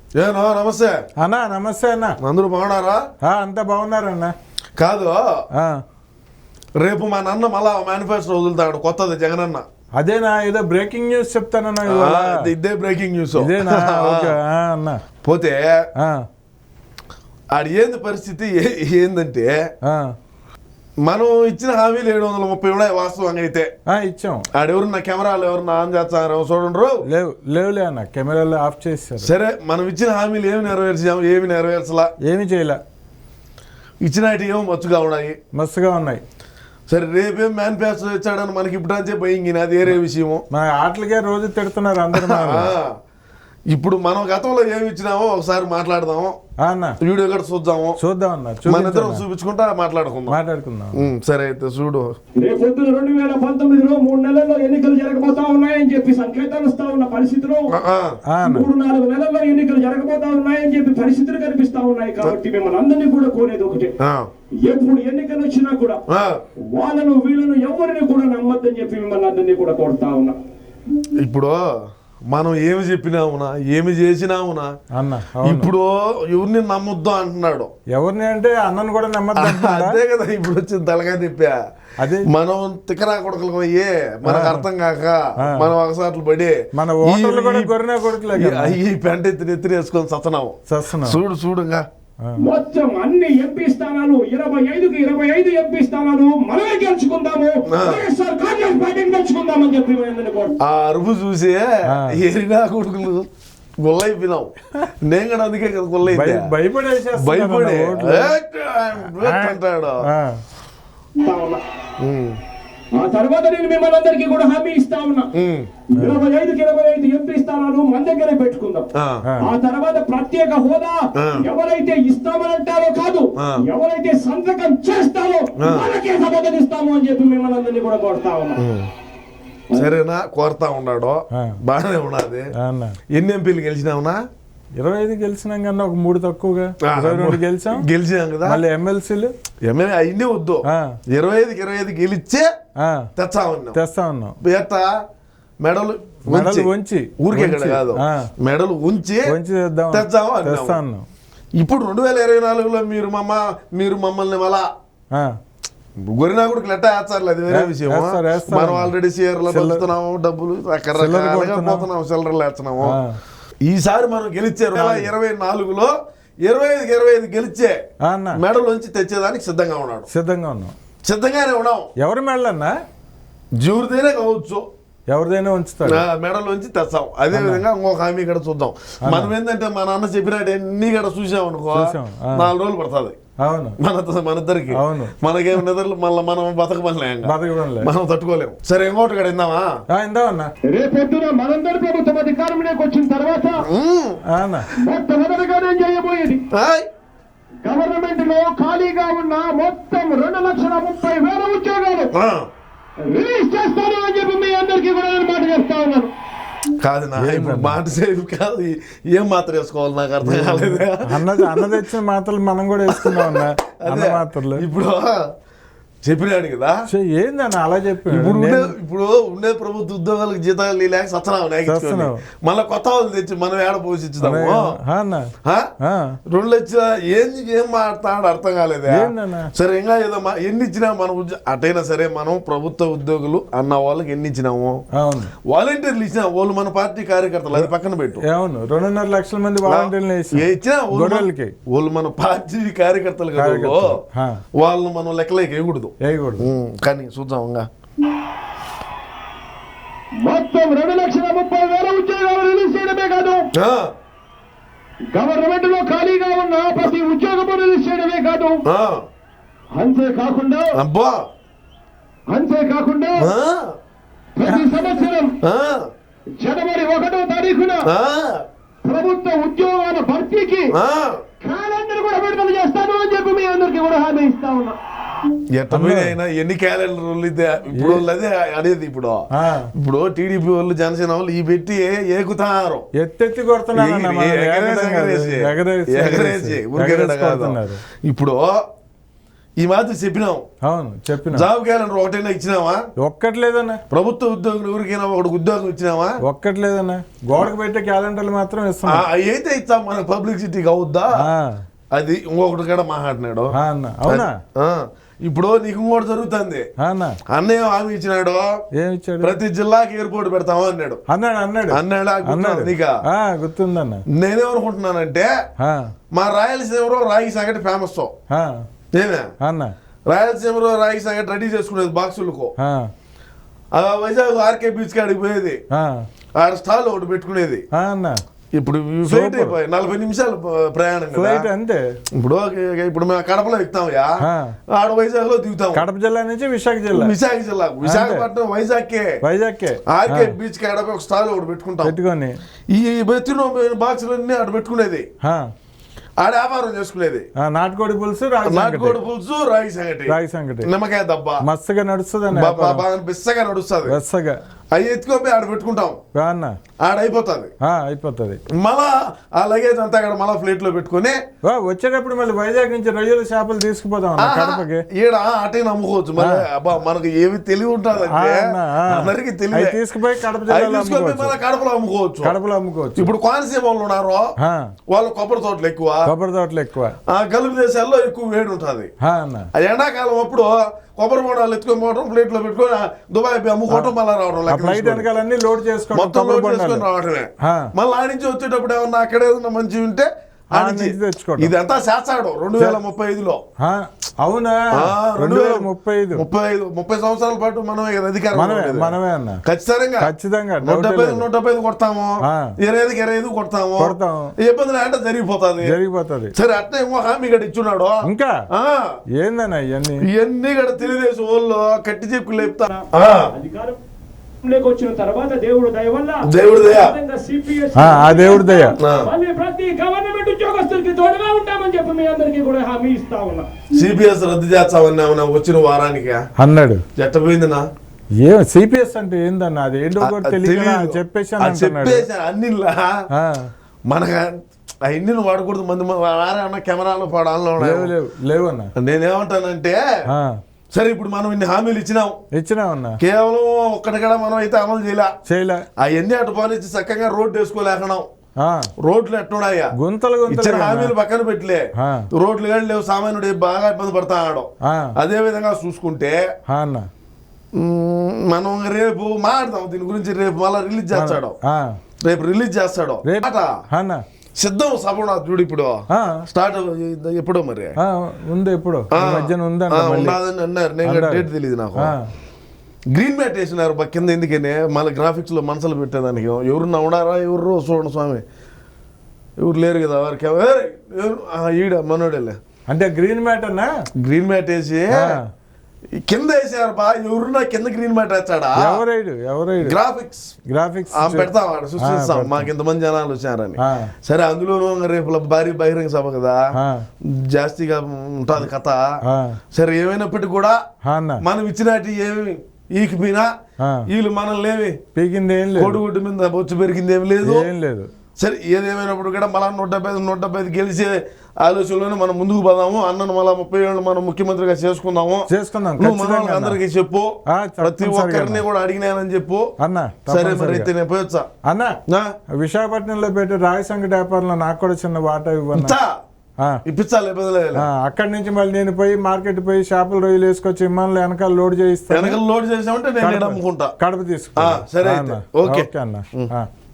ఏనా నమస్తే అన్నా. నమస్తే అన్న. అందరూ బాగున్నారా? అంతా బాగున్నారన్న. కాదు, రేపు మా నాన్న మళ్ళా మేనిఫెస్టో వదులుతాడు కొత్తది జగనన్న. అదేనా? ఏదో బ్రేకింగ్ న్యూస్ చెప్తానన్నా. ఇదే బ్రేకింగ్ న్యూస్. అన్న పోతే ఆడి ఏంది పరిస్థితి ఏందంటే, మనం ఇచ్చిన హామీలు 730 ఉన్నాయి వాస్తవంగా అయితే. ఇచ్చాం. ఆడెవరున్నా కెమెరాలు ఎవరన్నా ఆన్ చేస్తారో చూడండి. లేవులే అన్న, కెమెరాలు ఆఫ్ చేస్తారు. సరే, మనం ఇచ్చిన హామీలు ఏమి నెరవేర్చాము, ఏమి నెరవేర్చలా, ఏమి చేయలే. ఇచ్చినట్టు ఏమో మస్తుగా ఉన్నాయి. సరే, రేపేం మేనిఫెస్టో ఇచ్చాడని మనకి ఇప్పుడు భయం, అది వేరే విషయము. మన ఆటలకే రోజు తిడుతున్నారు అందరూ. ఇప్పుడు మనం గతంలో ఏమి ఇచ్చినామో ఒకసారి మాట్లాడదాము అన్న. వీడియో కూడా చూద్దాం అన్న. మన ఇద్దరం చూపించుకుంటా మాట్లాడుకుందాం. సరే అయితే చూడు. రేపొద్దున 2019లో 3 నెలల్లో ఎన్నికలు జరగబోతా ఉన్నాయని చెప్పి సంకేతాలు వస్తా ఉన్న పరిస్థితులు, 3-4 నెలల్లో ఎన్నికలు జరగబోతా ఉన్నాయని చెప్పి పరిస్థితులు కనిపిస్తా ఉన్నాయి. కాబట్టి మిమ్మల్ని అందరినీ కూడా కోరేది ఒకటే, ఎప్పుడు ఎన్నికలు వచ్చినా కూడా వాళ్ళను వీళ్ళను ఎవరిని కూడా నమ్మద్దని చెప్పి మిమ్మల్ని అందరినీ కూడా కోరుతా ఉన్నా. ఇప్పుడు మనం ఏమి చెప్పినామునా, ఏమి చేసినామునా అన్న? ఇప్పుడు ఎవరిని నమ్మొద్దు అంటున్నాడు. ఎవరిని అంటే అన్నను కూడా నమ్మద్దు. అదే కదా ఇప్పుడు వచ్చింది తలగా తిప్పా. అదే మనం తిక్కరా కొడుకులు అయ్యే మనకు అర్థం కాక మనం ఒకసార్లు పడి ఈ పెంట ఎత్తిన వేసుకొని సత్తనాము. చూడుగా మొత్తం అన్ని ఎంపీ స్థానాలు 25కి 25 ఎంపీ స్థానాలు మనమే గెలుచుకుందాము, కాంగ్రెస్ పార్టీని గెలుచుకుందామని చెప్పి ఆ అరుపు చూసి ఏరినా కొడుకులు గుల్లైపోయినాం. నేను కూడా అందుకే కదా గుల్లైపోయి భయపడి అంటాడు. ఆ తర్వాత నేను మిమ్మల్ని అందరికీ కూడా హామీ ఇస్తా ఉన్నా, 25కి 25 ఎంపీ స్థానాలు మన దగ్గరే పెట్టుకుందాం. ఆ తర్వాత ప్రత్యేక హోదా ఎవరైతే ఇస్తామనంటారో కాదు, ఎవరైతే సంతకం చేస్తారో వాళ్ళకే సమర్థనిస్తాము అని చెప్పి మిమ్మల్ని అందరినీ కూడా కోరుతా ఉన్నా. సరేనా? కోరుతా ఉన్నాడు, బాగానే ఉన్నది. ఎన్ని ఎంపీలు గెలిచినావునా? 25 గెలిచినాం కన్నా ఒక 3 తక్కువగా 22 గెలిచాం కదా. మళ్ళీ ఎమ్మెల్సీలు అయింది వద్దు, 25కి 25 గెలిచే తెస్తా ఉన్నాం. ఎట్టా? మెడలు ఉంచి ఊరికే కాదు, మెడలు ఉంచి తెస్తా ఉన్నాం. ఇప్పుడు 2024లో మీరు మమ్మల్ని మళ్ళా గొరినాకుడికి లెట్ట వేస్తారు, అది వేరే విషయం. మనం ఆల్రెడీ షేర్లు పంచుతున్నాము, డబ్బులు రకరకాలుగా పోతున్నాము, చిల్లరలు వేస్తున్నాము. ఈసారి మనం గెలిచే 2024లో 25కి 25 గెలిచే మెడలోంచి తెచ్చేదానికి సిద్ధంగానే ఉన్నాం. ఎవరి మెడలన్నా? జీవుడితేనే కావచ్చు, ఎవరిదైనా ఉంచుతారు, మెడలోంచి తెస్తాం. అదే విధంగా ఇంకొక హామీ కూడా చూద్దాం. మనం ఏంటంటే మా నాన్న చెప్పినట్టు ఎన్ని కూడా చూసామనుకో 4 రోజులు పడుతుంది మన ఇద్దరికి. మనకేం నిద్రలు మళ్ళీ మనం బతకమనిలేం, మనం తట్టుకోలేము. సరే, ఇంకోటి కూడా ఇందామా? రేపొద్దున మనందరి ప్రభుత్వం అధికారంలోకి వచ్చిన తర్వాత మొట్టమొదటిగా నేను చేయబోయేది, గవర్నమెంట్ లో ఖాళీగా ఉన్న మొత్తం 2,30,000 ఉద్యోగాలు రిలీజ్ చేస్తాను అని చెప్పి మీ అందరికీ కూడా నేను మాట చేస్తా ఉన్నాను. కాదు నా ఇప్పుడు మాట సేఫ్ కాదు, ఏం మాత్రం వేసుకోవాలి నాకు అర్థం కాలేదు. అన్న తెచ్చిన మాత్రలు మనం కూడా వేసుకున్నాం అన్న మాత్రలు. ఇప్పుడు చెప్పినాడు కదా, ఏందన్న అలా చెప్పి ఇప్పుడు ఉండే ప్రభుత్వ ఉద్యోగాలకు జీతాలు లేక సత్సనావు, మళ్ళీ కొత్త వాళ్ళు తెచ్చి మనం ఏడ పోషించుదాము. 2 లక్షల ఏం మాట్లాడు అర్థం కాలేదా? సరే, ఇంకా ఏదో ఎన్ని ఇచ్చినా మన అటైనా సరే మనం ప్రభుత్వ ఉద్యోగులు అన్న వాళ్ళకి ఎన్ని ఇచ్చినాము, వాలంటీర్లు ఇచ్చినా వాళ్ళు మన పార్టీ కార్యకర్తలు, అది పక్కన పెట్టు. 2.5 లక్షల మంది వాలంటీర్లు ఇచ్చినా వాళ్ళు మన పార్టీ కార్యకర్తలు కదా, వాళ్ళు మనం లెక్కలేక వేయకూడదు. కానీ చూద్దాం. మొత్తం 2,30,000 ఉద్యోగాలు రిలీజ్ చేయడమే కాదు, గవర్నమెంట్ లో ఖాళీగా ఉన్న ప్రతి ఉద్యోగం రిలీజ్ చేయడమే కాదు, అంతేకాకుండా ప్రతి సంవత్సరం జనవరి 1వ తారీఖున ప్రభుత్వ ఉద్యోగాల భర్తీకి క్యాలెండర్ కూడా విడుదల చేస్తాను అని చెప్పి మీ అందరికీ కూడా హామీ ఇస్తా ఉన్నా. అయినా ఎన్ని క్యాలెండర్లు ఇప్పుడు అదే అనేది. ఇప్పుడు టీడీపీ వాళ్ళు జనసేన వాళ్ళు ఈ పెట్టి ఏకుతారు, ఎత్తెత్తి కొడుతున్నారు. ఇప్పుడు ఈ మాత్రం చెప్పినాం. అవును చెప్పిన. జాబ్ క్యాలెండర్ ఒకటైనా ఇచ్చినావా? ఒక్కట్లేదన్నా. ప్రభుత్వ ఉద్యోగులు ఎవరికైనా ఒకటి ఉద్యోగం ఇచ్చినావా? ఒక్కట్లేదన్నా. గోడకు పెట్టే క్యాలెండర్లు మాత్రం ఇస్తాం. అయితే ఇస్తాం, మన పబ్లిసిటీకి అవుద్దా? అది ఇంకొకటి కూడా మాట్లాడినాడు. అవునా? ఇప్పుడు నీకు ఇంకోటి జరుగుతుంది. అన్నయ్య హామీ ఇచ్చినాడు, ఏమిచ్చాడు? ప్రతి జిల్లాకి ఎయిర్పోర్ట్ పెడతాము అన్నాడు. అన్నాడు నీకా? గుర్తుందన్న. నేనేమనుకుంటున్నానంటే మా రాయలసీమలో రాగి సంగటి ఫేమస్. ఏమే రాయలసీమలో రాగి సంగటి రెడీ చేసుకునేది బాక్సులకు. వైజాగ్ ఆర్కే బీచ్ కాడికి పోయేది, ఆడ స్టాల్ ఒకటి పెట్టుకునేది. ఇప్పుడు ఫ్లైట్ అయిపోయి 40 నిమిషాలు ప్రయాణం అంతే. ఇప్పుడు మేము కడపలో ఎక్కుతామయ్యా, ఆడ వైజాగ్ లో దిగుతాం. కడప జిల్లా నుంచి విశాఖ జిల్లా, విశాఖపట్నం వైజాగ్ ఆర్కే బీచ్ కాడ ఒక స్టాల్ ఒకటి పెట్టుకుంటాం. ఈ బెత్తిన బాక్సులన్నీ ఆడ పెట్టుకునేది, ఆడ వ్యాపారం చేసుకునేది. నాటుకోడి పులుసు, రాగి సంగటి, నిమ్మకాయ దబ్బా మస్తుగా నడుస్తుంది, బిస్సగా నడుస్తుంది. అవి ఎత్తుకోపోయి ఆడ పెట్టుకుంటాం, ఆడ అయిపోతుంది. మళ్ళా ఆ లగేజ్ అంతా అక్కడ మళ్ళా ఫ్లైట్ లో పెట్టుకుని వచ్చేటప్పుడు మళ్ళీ వైజాగ్ నుంచి రొయ్యలు చేపలు తీసుకుపోతాం కడపకి. ఈడ అటే నమ్ముకోవచ్చు. మరి అబ్బా మనకు ఏమి తెలివి ఉంటుంది అందరికి తెలివి. తీసుకుపోయి కడపలో అమ్ముకోవచ్చు. ఇప్పుడు కోనసీమ వాళ్ళు ఉన్నారు, వాళ్ళు కొబ్బరి తోటలు ఎక్కువ, గల్ఫ్ దేశాల్లో ఎక్కువ వేడి ఉంటుంది. ఎండాకాలం అప్పుడు కొబ్బరి బోండాలు ఎత్తుకొని పోవడం, ప్లేట్ లో పెట్టుకొని దుబాయ్ అమ్ముకోవటం, మళ్ళీ రావడం, ఫ్లైట్ వెనకాలన్నీ లోడ్ చేసుకొని రావడమే. మళ్ళీ ఆడి నుంచి వచ్చేటప్పుడు ఏమన్నా అక్కడ ఏదన్నా మంచి ఉంటే తెచ్చుకోవడం. ఇదంతా చేస్తాడు 2035లో. అవునా? 2035 సంవత్సరాల పాటు మనమే అధికారం, మనమే అన్న. ఖచ్చితంగా 175 కొడతాము, 25 కొడతాము. ఇబ్బందులు అంటే జరిగిపోతుంది. సరే అట్లా ఏమో హామీ గడ ఇచ్చున్నాడు. ఇంకా ఏందన్నా ఇవన్నీ కూడా తెలుగుదేశం వాళ్ళు కట్టి చెప్పులు లేపుతారు. వచ్చిన తర్వాత దేవుడు దయ వల్ల, దేవుడు దయ ప్రతి గవర్నమెంట్ ఉద్యోగస్తులకి తోడుగా ఉంటామని చెప్పి మీ అందరికీ కూడా హామీ ఇస్తా ఉన్నా. సిపిఎస్ రద్దు చేస్తామన్నా వచ్చిన వారానికి అన్నాడు. ఎట్టపోయిందన్నా? సిపిఎస్ అంటే ఏందన్నా? అది ఏంటో చెప్పేసి అన్ని మనకు అవన్నీ వాడకూడదు. మంది కెమెరాలు పడాలో లేవన్నా. నేనేమంటానంటే సరే ఇప్పుడు మనం ఇన్ని హామీలు ఇచ్చినాం, కేవలం ఒక్కటి కూడా మనం అయితే అమలు చేయలే. అవన్నీ అటు పోనిచ్చి చక్కగా రోడ్డు వేసుకోలేకనాం. రోడ్లు ఎట్టున్నాయా? ఇచ్చిన హామీలు పక్కన పెట్టలే, రోడ్లు కానీ లేవు. సామాన్యుడు బాగా ఇబ్బంది పడతాడు. అదే విధంగా చూసుకుంటే మనం రేపు మాట్లాడదాం దీని గురించి. రేపు మళ్ళా రిలీజ్ చేస్తాడు. సిద్ధం సభ చూడు. ఇప్పుడు స్టార్ట్ ఎప్పుడో మరి ఉంది, ఎప్పుడు మధ్యన అన్నారు. నేను డేట్ తెలియదు నాకు. గ్రీన్ మ్యాట్ వేసినారు కింద. ఎందుకని మళ్ళీ గ్రాఫిక్స్ లో మనసులు పెట్టేదానికి. ఎవరున్నా ఉన్నారా? ఎవరు చూడండి స్వామి, ఎవరు లేరు కదా వారికి. ఈడ మనోడేలే. అంటే గ్రీన్ మ్యాట్ అన్నా? గ్రీన్ మ్యాట్ వేసి కింద వేసారు బా. ఎవరున్నా కింద గ్రీన్ మ్యాట్ వేస్తాడా? గ్రాఫిక్స్ పెడతాం, సృష్టిస్తాం. మాకు ఇంతమంది జనాలు వచ్చారని. సరే అందులోనూ రేపు భారీ బహిరంగ సభ కదా, జాస్తిగా ఉంటుంది కథ. సరే ఏమైనప్పటికీ కూడా మనం ఇచ్చినట్టు ఏమి ఈకిపోయినా వీళ్ళు మనల్ని ఏమి పీకింది, కోడిగుడ్డు మీద బొచ్చు పెరిగింది ఏమి లేదు. సరే ఏదేమైనప్పుడు కూడా మళ్ళా 175 గెలిచే ఆలోచనలోనే మనం ముందుకు పోదాము. అన్నను మళ్ళా 30 ఏళ్ళు మనం ముఖ్యమంత్రిగా చేసుకుందాం. అందరికి చెప్పు, ప్రతి ఒక్కరిని కూడా అడిగినానని చెప్పు అన్న. సరే మరి అయితే నేను పోయొచ్చా అన్న? విశాఖపట్నంలో పెట్టి రాగి సంగటి వ్యాపారంలో నాకు కూడా చిన్న వాటా ఇవ్వచ్చా? ఇప్పించాలి. అక్కడి నుంచి మళ్ళీ నేను పోయి మార్కెట్ పోయి చేపల రొయ్యలు వేసుకొచ్చి విమానంలో వెనకాల లోడ్ చేయిస్తాను. లోడ్ చేసామంటే నేను అమ్ముకుంటా. కడప తీసుకుంటా. సరే ఓకే అన్న.